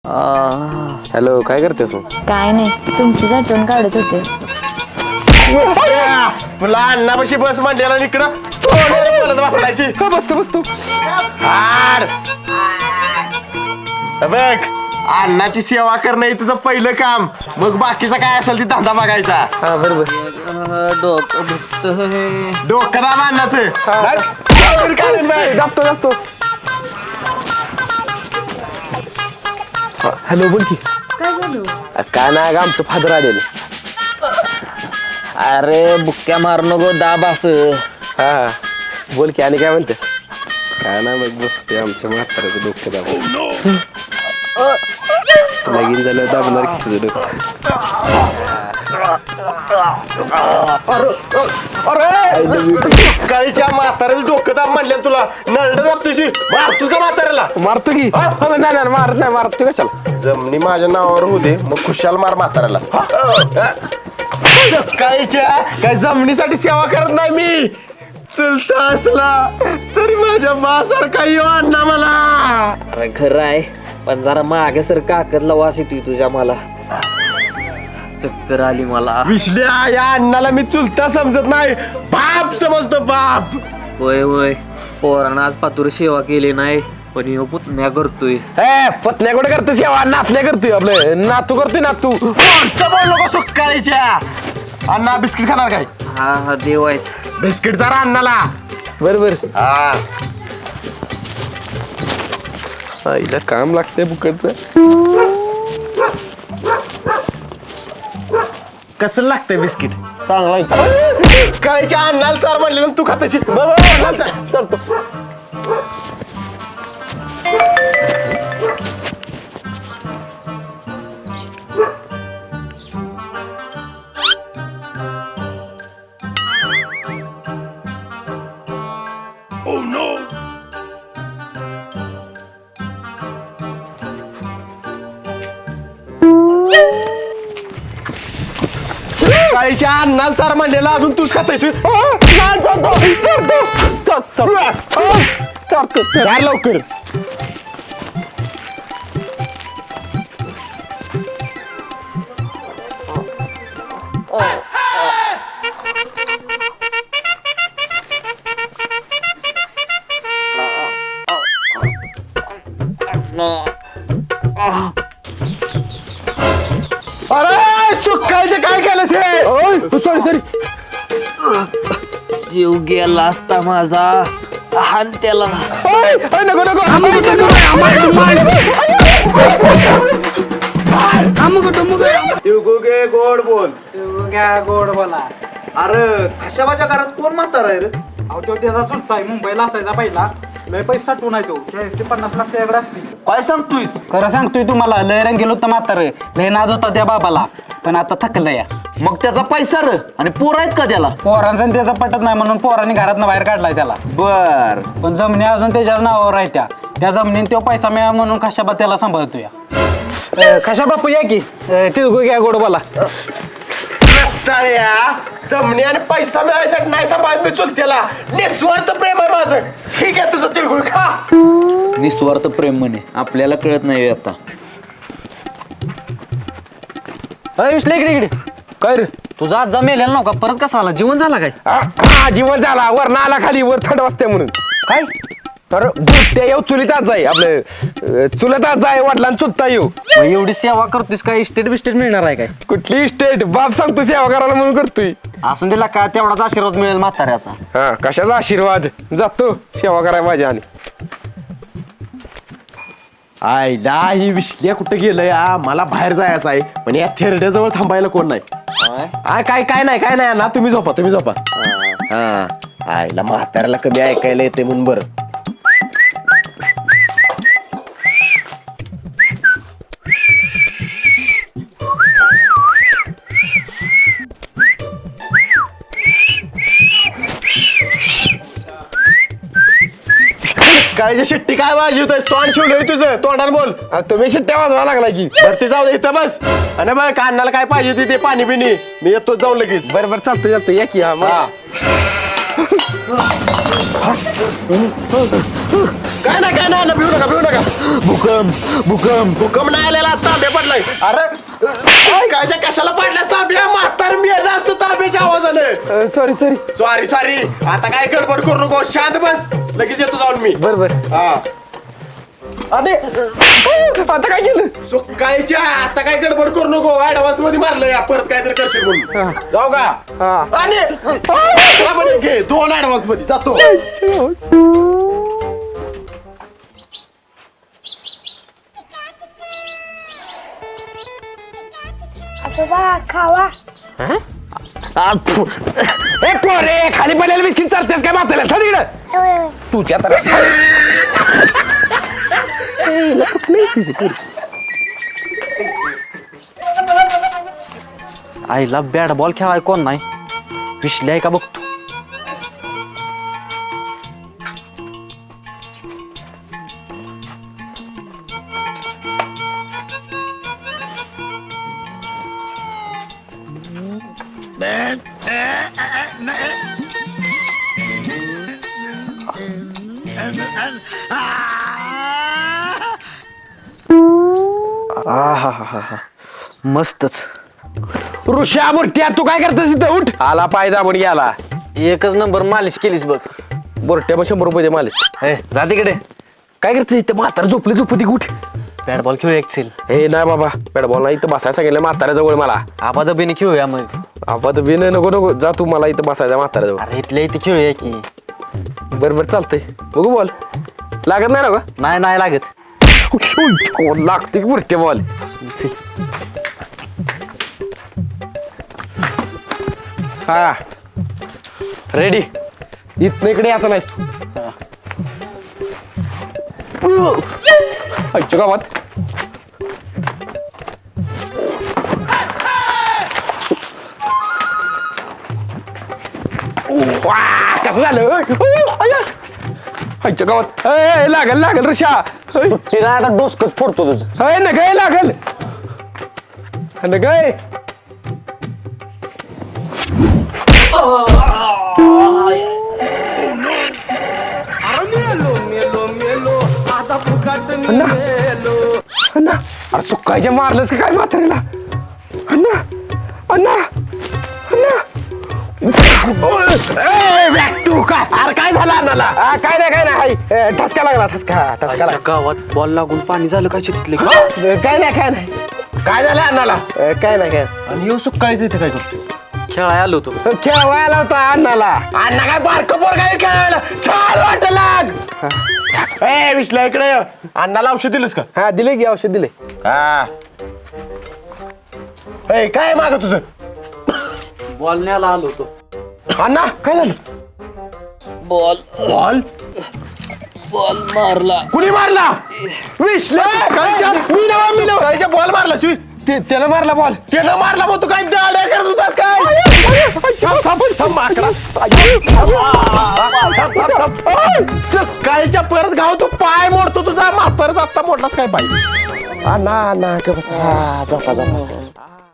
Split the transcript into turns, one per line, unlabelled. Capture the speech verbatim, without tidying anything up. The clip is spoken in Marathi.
हॅलो, काय करतेस मग?
काय नाही, तुमचीच आठवण काढत होते.
तुला अण्णापाशी बस मांडलेला इकडं बोलत बसलायची.
बसतो बसतो
हाड. बघ, अण्णाची सेवा करणं हे तुझं पहिलं काम, मग बाकीचा काय असेल ती धंदा बघायचा.
हा बरोबर.
डोकं दुखतंय.
डोकं दाब अण्णाचं.
दाबतो दाबतो. हॅलो, बोल की.
काय झालं?
काय नाही, आमचं फादर आलेलं.
अरे बुक्क्या मारू नको, दाब असं.
हा बोल की, आणि काय म्हणते?
काय ना मग बसते आमच्या म्हाताऱ्याचं डोकं दाबून. लगीन झालं दाबणार की तुझं डोकं.
काळीच्या म्हाताऱ्याला डोकं दाब म्हणलं तुला. नरड दाब तुझी मारतोस का म्हाताऱ्याला?
मारतो की. नाही नाही मारत नाही, मारतो कशाला.
जमनी माझ्या नावावर होऊ दे, मग खुशाल मार म्हाताऱ्याला. काळीच्या काय जमिनीसाठी सेवा करत नाही मी. चुलता असला तरी माझ्या बासारखा येऊ अण्णा मला.
अरे खरं आहे, पण जरा मागे सर काकतला वास येतोय तुझ्या. मला चक्कर आली मला.
विश्ल्या, या अण्णाला मी चुलता समजत नाही, बाप समजतो बाप.
होय होय, पोरानं आज पातूर सेवा केली नाही, पण ह्यो पुतण्या करतोय.
ए पत्न्या कुठे करतो सेवा? नातण्या करतोय, आपलं नातू करतोय नातू.
बोल नको सुकाळीच्या. अण्णा बिस्किट खाणार काय?
हा हा देवायच.
बिस्किट जरा अण्णाला.
बरोबर.
हा
आईला काम लागतंय बुकडचं.
कसं लागतंय बिस्किट?
चांगला आहे.
काळीच्या अण्णाला चार म्हणले तू खाताशी.
करतो.
काळीच्या अण्णाला चार म्हणलेला अजून तूच खातायशी. काय लवकर. अरे सुकायचं काय केलं हे?
Sorry sorry.
जीव गेला असता माझा. हान त्याला.
नको नको.
गे गोड बोल घ्या गोड बोला. अरे कशाबाच्या घरात कोण म्हणणार आहे रे? अहो तो त्याचा चुलताय, मुंबईला असायचा पहिला. लय पैसा साठवून आहे तो. चाळीस ते पन्नास लाख त्याकडे असतील. काय सांगतोयस? खरं सांगतोय तुम्हाला. लय रंग गेलो होतं म्हातारं, लय नाद होता त्या बाबाला, पण आता थकलं या. मग त्याचा पैसा र आणि पोर आहेत का त्याला? पोरांचा त्याचा पटत नाही म्हणून पोरांनी घरातनं बाहेर काढलाय त्याला. बर, पण जमिनी अजून त्याच्याच नावावर आहे. त्या त्या जमिनीत तो पैसा मिळा म्हणून कशाबा त्याला सांभाळतोय.
कशा बापू या की. तिळगुळ घ्या गोड बोला.
जमणी आणि पैसा मिळायसाठी नाही सांभाळत मी चुलत्याला. निस्वार्थ प्रेम आहे माझं. ठीक आहे, तुझं तिळगुळ खा.
निस्वार्थ प्रेम म्हणे, आपल्याला कळत नाही आता.
विसले इकडे इकडे. काय रे तुझा आज जमेलेला नव्हता, परत कसा आला? जीवन झाला काय? हा जीवन झाला. वर ना आला खाली, वर थंड वाजते म्हणून. काय तर ते येऊ चुलीताच आहे, आपलं चुलताच आहे. वडिलांना चुलता येऊ.
एवढी सेवा करतोस काय? इस्टेट बिस्टेट मिळणार आहे काय?
कुठली स्टेट? बाप सांगतो सेवा करायला म्हणून करतोय.
असून दिला का तेवढाच आशीर्वाद मिळेल म्हाताऱ्याचा.
हा कशाचा आशीर्वाद. जातो सेवा करायला माझ्या. आणि
आईला ही विश्ल्या कुठे गेलंय? आ, मला बाहेर जायचं आहे, पण या थेरड्याजवळ थांबायला कोण नाही. आ, काय काय नाही काय नाही ना, तुम्ही झोपा तुम्ही झोपा. हा आईला म्हाताऱ्याला कमी ऐकायला येते म्हणून बरं. काळीच्या शिट्टी काय वाजवतोय? तोंड शिवलंय तुझं. तोंडाला बोल.
तुम्ही शिट्ट्या वाजवा लागला की.
भरती जाऊ दे, इथं बस. आणि बघ कानाला काय पाहिजे ते पाणी बिणी मी येतो जाऊन लगेच.
बरं बरं चालतं चालतं या की. हा मग
काय नाही काय नाही भिऊ नका भिऊ नका भूकंप भूकंप भूकंप नाही आलेला तांबे पडलाय अरे काय काय त्या कशाला पडल्या तांब्या म्हातार मी जास्त तांब्याच्या आवाजाने
सॉरी सॉरी
सॉरी सॉरी आता काय गडबड करू नको शांत बस लगेच येतो जाऊन मी
बर बर
हा
अरे आता काय केलं
सुकायच्या आता काय गडबड करू नको ऍडव्हान्स मध्ये मारलं या परत काहीतरी करशील म्हणून जाऊ का
हा.
आणि दुसरा पण एक घे दोन ऍडव्हान्स मध्ये जातो
आजोबा खावा
ए पोरे खाली पडलेलं बिस्किट चालतेस काय माताला तिकडं तुझ्या तर आईला बॅट बॉल खेळाय कोण नाही विश्ले आहे का बघतो आहाहाहा. मस्तच ऋषा बुरट्या तू काय करतोस इथं उठ
आला पाय दाबून गेला
एकच नंबर मालिश केलीस बघ
बोरट्या मग शंभर रुपये दे मालिश
ए जा तिकडे काय करतोस इथं म्हातार झोपली झोपती उठ बॅट बॉल खेळू एक
हे नाही बाबा बॅट बॉल नाही इथं बसायला सांगितलं म्हाताऱ्याजवळ मला
आबादबीने खेळूया मग
आपण बिन नको नको जा तू मला इथं बसायचं म्हाताऱ्याजवळ
अरे इथल्या इथे खेळूया की
बरं बरं चालतंय बघू बॉल लागत नाही ना का
नाही नाही लागत
लागते की बुरट्या बॉल हा
रेडी
इथनं इकडे यायचं नाही आईच्या गावात वा, कसं झालं आईच्या गावात ए, लागल लागल ऋषा
तिला आता डोसकच फोडतो तुझं
अय ना काय लागल ना काय अण्णा अरे सुकायच्या मारलंस का काय म्हाताऱ्याला अण्णा अण्णा अण्णा ए, बॅग तू काय अरे काय झालं अण्णाला आ, काय नाही काय नाही हाय. ए, ठसका लागला ठसका ठसका लागला
गावात बॉल लागून पाणी झालं काय तिथले
ए, काय नाही काय नाही काय झालं अण्णाला ए, काय नाही काय
आणि येऊ सुकाळीच इथे काय करतो खेळाय आलो होतो
खेळवायला होता अण्णाला अण्णा काय बारक पोर काय खेळायला छान वाट लाग ए विश्ला इकडे ये. अण्णाला औषध दिलंस का हा दिले की औषध दिले हा ए काय माग तुझं
बॉल न्यायला आलो होतो
अण्णा काय झालं
बॉल
बॉल
बॉल मारला
कुणी मारला विश्ला सकाळच्या मी नवा मी नवा बॉल मारला शिवी त्यानं मारला बॉल त्यानं मारला मग तू काय दाड्या करत होतास काय थांब, थांब, थांब, माकडा. थांब, थांब, थांब. ओय, सकाळच्या परत गाव तू पाय मोडतो तुझा म्हातारच आत्ता मोडलास काय पाय अण्णा अण्णा का बसा झोपा झोपा